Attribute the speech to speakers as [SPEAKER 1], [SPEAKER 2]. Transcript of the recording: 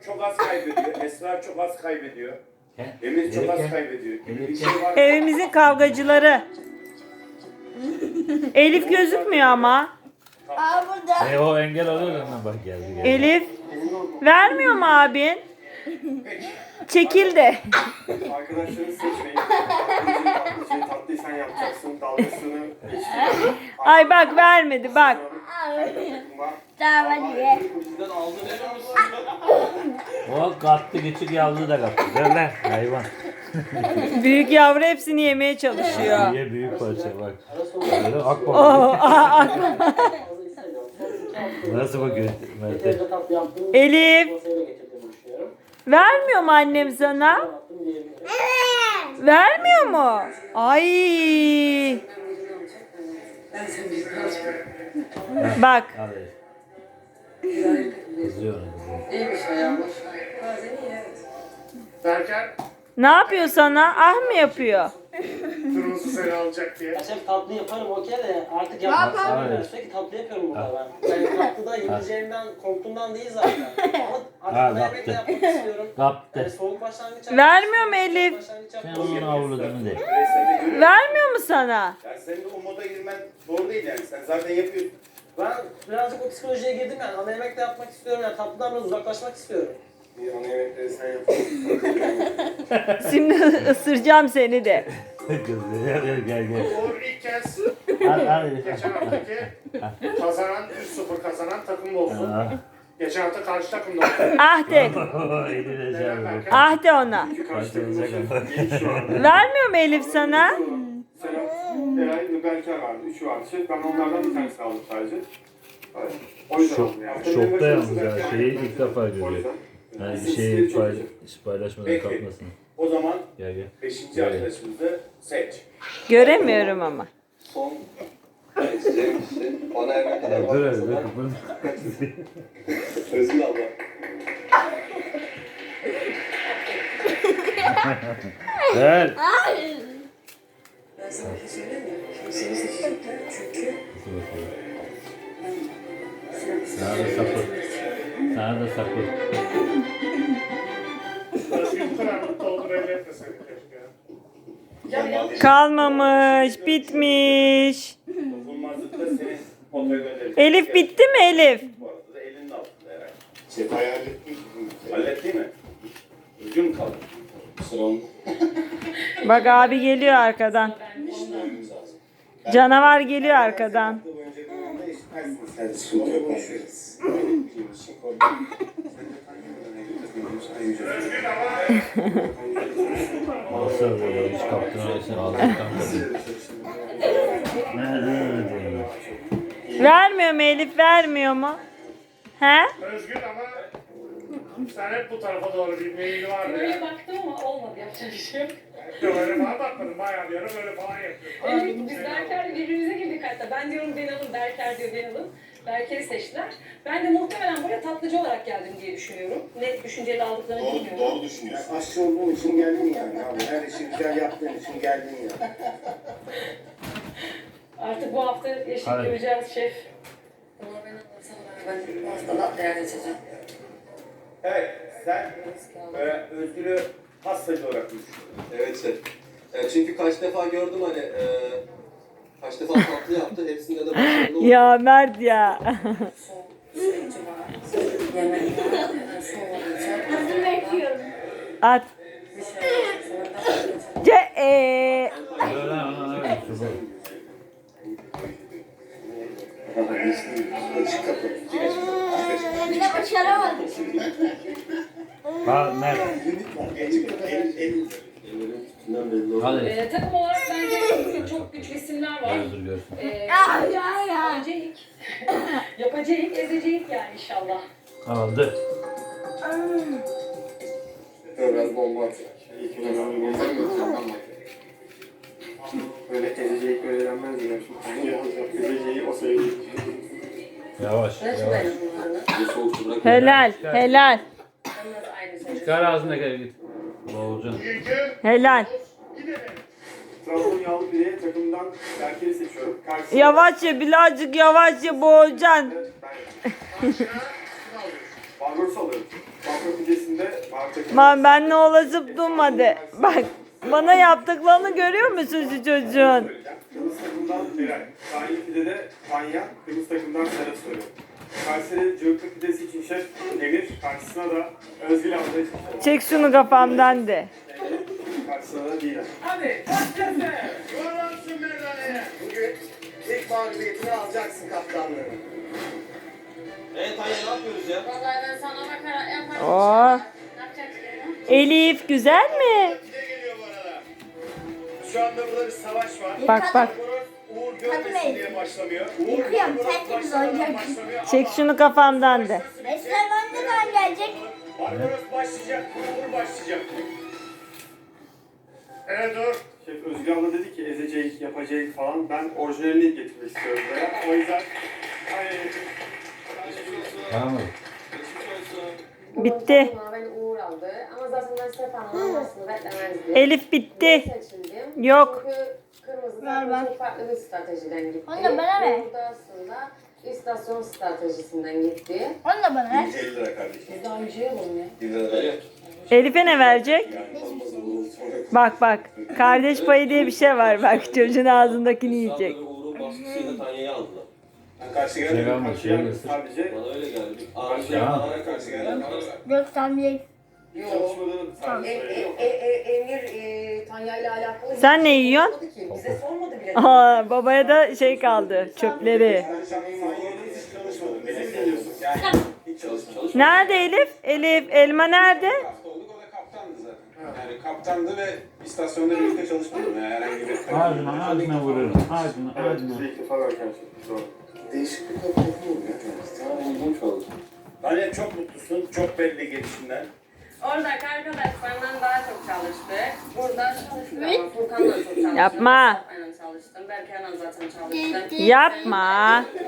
[SPEAKER 1] çok az kaybediyor. Esra çok az kaybediyor. Emir çok az kaybediyor. Bir şey var.
[SPEAKER 2] Evimizin kavgacıları. Elif gözükmüyor ama.
[SPEAKER 3] Aa burada.
[SPEAKER 4] O engel oluyor lan bak geldi.
[SPEAKER 2] Elif. Vermiyor mu abin? Çekil de.
[SPEAKER 5] Arkadaşlarını seçmeyin. Tatlıyı sen yapacaksın. Dalgasını geçti.
[SPEAKER 2] Ay bak vermedi bak.
[SPEAKER 3] Tamam hadi.
[SPEAKER 4] O kattı küçük yavru da kattı. Ver lan hayvan.
[SPEAKER 2] Büyük yavru hepsini yemeye çalışıyor.
[SPEAKER 4] Niye büyük parça bak. Böyle ak bak. Nasıl bakıyor Mert'e?
[SPEAKER 2] Elif. Vermiyor mu annem sana? Vermiyor mu? Ay. Bak.
[SPEAKER 4] Al Elif. Kızıyor ona kızıyor.
[SPEAKER 6] İyiymiş ayağmış. Bazen iyi evet.
[SPEAKER 5] Derken
[SPEAKER 2] Ne yapıyor sana? Ah mı yapıyor?
[SPEAKER 5] kırmızı seni alacak diye.
[SPEAKER 7] Ya şef tatlı yaparım okey de artık
[SPEAKER 4] Aynen.
[SPEAKER 7] yapmak sürekli tatlı yapıyorum burada ben. Yani tatlıda yenileceğimden korktuğumdan değil zaten. Ama artık
[SPEAKER 4] Ha,
[SPEAKER 7] yemek de
[SPEAKER 4] kaptı.
[SPEAKER 7] yapmak istiyorum.
[SPEAKER 4] Kaptı.
[SPEAKER 7] Yani soğuk başlangıç
[SPEAKER 2] Vermiyor mu Elif?
[SPEAKER 7] başlangıç
[SPEAKER 4] Sen
[SPEAKER 7] yapmak
[SPEAKER 4] onun avladığını de.
[SPEAKER 2] Vermiyor mu sana?
[SPEAKER 1] Yani senin o moda girmen doğru değil yani. Sen zaten yapıyorsun.
[SPEAKER 7] Ben birazcık o psikolojiye girdim yani. Ana yemek de yapmak istiyorum yani. Tatlıdan biraz uzaklaşmak istiyorum.
[SPEAKER 5] Bir ana yemekleri sen yap.
[SPEAKER 2] Şimdi ısıracağım seni de.
[SPEAKER 4] Kızıyor. Gel.
[SPEAKER 5] Uğur ilk kez
[SPEAKER 4] Al
[SPEAKER 5] geçen haftaki kazanan 3-0 kazanan takım olsun. Geçen hafta karşı takım da oldu.
[SPEAKER 2] Ah de.
[SPEAKER 4] Eline canım.
[SPEAKER 2] Ah de ona.
[SPEAKER 5] Çünkü karşı takım
[SPEAKER 4] Başlayacak
[SPEAKER 5] olsun.
[SPEAKER 4] ama.
[SPEAKER 5] İlk şu anda.
[SPEAKER 2] Vermiyor mu Elif sana?
[SPEAKER 5] Selam, Eray ve Berker vardı. Üçü vardı. Ben onlardan bir tanesi kaldım sadece. Evet. O yüzden oldu yani.
[SPEAKER 4] Şokta yalnız ya. Şeyi ilk defa görüyor. Yani bir şeyi paylaşmadan kalkmasın.
[SPEAKER 1] O zaman
[SPEAKER 4] Gel.
[SPEAKER 1] 5. arkadaşımızı seç.
[SPEAKER 2] Göremiyorum ama.
[SPEAKER 8] Son seçeceğim kişi ana yemekler
[SPEAKER 4] Dur öyle dur.
[SPEAKER 8] Özgür abla.
[SPEAKER 4] Gel.
[SPEAKER 6] Ben sana bir şey söyleyeyim mi? Şimdi seni seçeceğim. Çünkü
[SPEAKER 4] Sana da sapır. Sana da sapır.
[SPEAKER 5] Özgür bu kadar mutlu oldu belli etmeseydik keşke.
[SPEAKER 2] Kalmamış, bitmiş.
[SPEAKER 1] Dokunmazlıkta senin potaya gönderecek.
[SPEAKER 2] Elif bitti mi Elif?
[SPEAKER 1] Bu arada da elinin altında herhalde.
[SPEAKER 5] Sefa'yı hallettin.
[SPEAKER 1] Hallettin mi? Üzgün mü kaldın?
[SPEAKER 8] Sıram.
[SPEAKER 2] Bak abi geliyor arkadan. Canavar geliyor arkadan.
[SPEAKER 8] Hadi sıkıntı yok konuşuruz.
[SPEAKER 4] Nasıl böyle hiç kaptın arasını ağzından kaptın.
[SPEAKER 2] Vermiyor mu Elif, vermiyor mu? He?
[SPEAKER 5] Özgür ama sen hep bu tarafa doğru bir meyili vardı
[SPEAKER 6] böyle
[SPEAKER 5] ya.
[SPEAKER 6] baktım ama olmadı yapacak bir şey yok.
[SPEAKER 5] Böyle falan bakmadım. Bayağı bir ara böyle falan yapıyorum.
[SPEAKER 6] Evet, biz Berker'le birbirimize girdik hatta. Ben diyorum beni alın, Berker diyor beni alın. Berker'i seçtiler. Ben de muhtemelen buraya tatlıcı olarak geldim diye düşünüyorum. Ne düşünceyle aldıklarını bilmiyorum.
[SPEAKER 8] Doğru düşünüyorsun.
[SPEAKER 5] Aşçı olduğun için geldin yani abi. Her işi güzel yaptığın için geldin ya.
[SPEAKER 6] Artık bu hafta yaşayıp
[SPEAKER 4] Hadi.
[SPEAKER 6] göreceğiz şef. Ama ben sana ben hastalığa değer edeceğim.
[SPEAKER 1] Evet, sen Özgür'ü hastacı olarak düşünüyorsun.
[SPEAKER 8] Evet şef. Çünkü kaç defa gördüm hani kaç defa tatlı yaptı. Hepsinde de başarılı oldu.
[SPEAKER 2] Ya Mert ya.
[SPEAKER 6] Süreci var. Yemek var. Su olacak.
[SPEAKER 3] Hazır bekliyorum.
[SPEAKER 2] At.
[SPEAKER 6] Bir şey olacak. Sonra da
[SPEAKER 5] Açık kapı.
[SPEAKER 3] Bir de başaramadım.
[SPEAKER 4] Ha Mert.
[SPEAKER 8] Ellerin üstünden belli oldu.
[SPEAKER 4] Hadi.
[SPEAKER 6] takım olarak bence çok güçlü isimler var.
[SPEAKER 4] Dur görsün.
[SPEAKER 6] Yapacağız. Yapacağız, ezeceğiz yani inşallah.
[SPEAKER 4] Aldı.
[SPEAKER 5] Biraz bomba atıyor. İlk biraz bomba atıyor. Böyle ezeceği böyle denmez yine. Ezeceği o sayılır.
[SPEAKER 4] Yavaş.
[SPEAKER 6] Nasıl
[SPEAKER 4] Yavaş.
[SPEAKER 6] benim bunlarla?
[SPEAKER 8] Bir soğuktu bırak.
[SPEAKER 2] Helal, helal,
[SPEAKER 6] Onlar aynı seçim.
[SPEAKER 4] Çıkar ağzına gel git. Boğulacaksın.
[SPEAKER 2] helal.
[SPEAKER 5] Trabzon yağlı bireye takımdan Berker'i seçiyorum. Karşısında
[SPEAKER 2] Yavaşça, birazcık yavaşça boğulacaksın.
[SPEAKER 5] Barbaros alıyorum. Barbaros
[SPEAKER 2] Man benle olasıp durmadı. Bak bana yaptıklarını görüyor musun şu çocuğun?
[SPEAKER 5] Kırmızı takımdan Beray. Tanya Pide'de Tanya, kırmızı takımdan Serhat soruyor. Kayseri Cıvıklı Pidesi için şef Emir, karşısına da Özgül abla için şef.
[SPEAKER 2] Çek şunu kafamdan de.
[SPEAKER 5] Karşısına da Didem.
[SPEAKER 1] Hadi başlasın. Yollansın meydaneye.
[SPEAKER 8] Bugün ilk mağlubiyetini alacaksın kaptanlığını. Tanya ne yapıyoruz ya?
[SPEAKER 3] Vallahi ben sana bakarak yaparım.
[SPEAKER 2] Oo.
[SPEAKER 3] Ne yapacaksın?
[SPEAKER 2] Elif güzel mi?
[SPEAKER 1] Pide geliyor bu arada. Şu anda burada bir savaş var.
[SPEAKER 2] Bak bak.
[SPEAKER 1] Uğur görmesin diye başlamıyor.
[SPEAKER 3] Yıkıyorum, sen temiz olacaksın.
[SPEAKER 2] Çek şunu kafamdan de.
[SPEAKER 3] Esmer ne zaman gelecek?
[SPEAKER 1] Barbaros başlayacak, Uğur başlayacak. Evet dur.
[SPEAKER 5] Şef Özgül abla dedi ki ezecek, yapacak falan. Ben orijinalini getirmek istiyorum buraya. O yüzden... Ay,
[SPEAKER 4] Tamam mı?
[SPEAKER 2] Bitti.
[SPEAKER 9] Beni Uğur aldı ama zaten ben Stefan'ın almasını beklemezdim.
[SPEAKER 2] Elif bitti.
[SPEAKER 9] Seçildim.
[SPEAKER 2] Yok.
[SPEAKER 9] Çünkü kırmızı
[SPEAKER 3] Var, var.
[SPEAKER 9] çok farklı bir stratejiden gitti.
[SPEAKER 3] Onu da bana ver.
[SPEAKER 9] Burada aslında istasyon stratejisinden gitti.
[SPEAKER 3] Onu da bana ver.
[SPEAKER 8] 50 lira kardeşim.
[SPEAKER 9] Biz daha önce yapalım ya.
[SPEAKER 8] 1 lira ver.
[SPEAKER 2] Elif'e ne verecek?
[SPEAKER 8] Olmaz olur.
[SPEAKER 2] Bak bak. Kardeş payı diye bir şey var. Bak çocuğun ağzındakini yiyecek.
[SPEAKER 8] Uğur'un baskısıyla Tanya'yı aldılar.
[SPEAKER 5] karşı
[SPEAKER 4] Şey
[SPEAKER 5] geldi.
[SPEAKER 4] verme, şey verme.
[SPEAKER 5] Sadece
[SPEAKER 8] Bana öyle geldi.
[SPEAKER 4] Tamam.
[SPEAKER 8] Ağrı'ya karşı geldi.
[SPEAKER 3] Yok tamam.
[SPEAKER 5] çalışmadığını sadece söylüyor.
[SPEAKER 6] Emir Tanya ile alakalı
[SPEAKER 2] Sen ne yiyorsun?
[SPEAKER 6] sormadı ki. Bize sormadı bile.
[SPEAKER 2] Aa, babaya da şey kaldı. Çöpleri.
[SPEAKER 5] Sen hiç çalışmadın. Bizi biliyorsun.
[SPEAKER 8] Hiç çalışmadım.
[SPEAKER 2] Nerede Elif? Elif elma nerede?
[SPEAKER 10] hafta olduk, o da kaptandı zaten. Yani kaptandı ve istasyonda birlikte çalışmadım. Yani herhangi bir...
[SPEAKER 4] Ağzına vururum. Ağzına.
[SPEAKER 5] Bize ilk defa görken şey. Doğru.
[SPEAKER 8] Değişik bir kapatma oluyor. Sana ilginç oldu.
[SPEAKER 1] Tanya çok mutlusun, çok belli gelişinden.
[SPEAKER 9] Oradaki arkadaşlarından daha çok çalıştık. Burada çalıştık ama Furkan'la çok çalıştım.
[SPEAKER 2] Yapma.
[SPEAKER 9] Mustafa'yla çalıştım. Berke'yle zaten çalıştım.
[SPEAKER 2] Yapma.